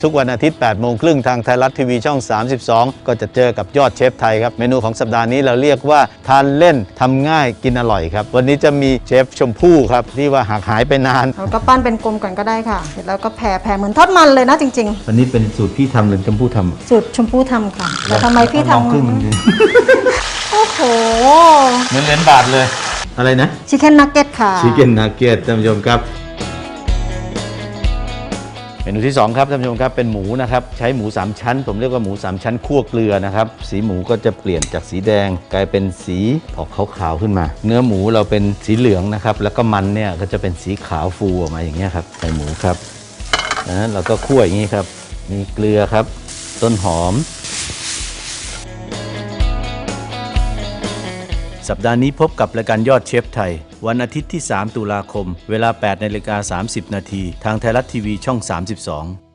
ทุกวันอาทิตย์ 8 โมงครึ่งทางไทยรัฐทีวีช่อง 32 ก็จะเจอกับยอดเชฟไทยครับเมนูของสัปดาห์นี้เราเรียกว่าทานเล่นทำง่ายกินอร่อยครับวันนี้จะมีเชฟชมพู่ครับที่ว่าหากหายไปนานเราก็ปั้นเป็นกลมก่อนก็ได้ค่ะเสร็จแล้วก็แผ่เหมือนทอดมันเลยนะจริงวันนี้เป็นสูตรพี่ทำหรือชมพู่ทำสูตรชมพู่ทำค่ะแต่ทำไมพี่ทำโอ้โหเหมือนเหรียญบาทเลยอะไรนะชิคเก้นนักเก็ตค่ะชิคเก้นนักเก็ตท่านผู้ชมครับเมนูที่2ครับท่านผู้ชมครับเป็นหมูนะครับใช้หมู3ชั้นผมเรียกว่าหมู3ชั้นคั่วเกลือนะครับสีหมูก็จะเปลี่ยนจากสีแดงกลายเป็นสีออกขาวๆขึ้นมาเนื้อหมูเราเป็นสีเหลืองนะครับแล้วก็มันเนี่ยก็จะเป็นสีขาวฟูออกมาอย่างเงี้ยครับใส่หมูครับเราก็คั่วอย่างนี้ครับมีเกลือครับต้นหอมสัปดาห์นี้พบกับรายการยอดเชฟไทยวันอาทิตย์ที่3 ตุลาคมเวลา 8:30 น.ทางไทยรัฐทีวีช่อง 32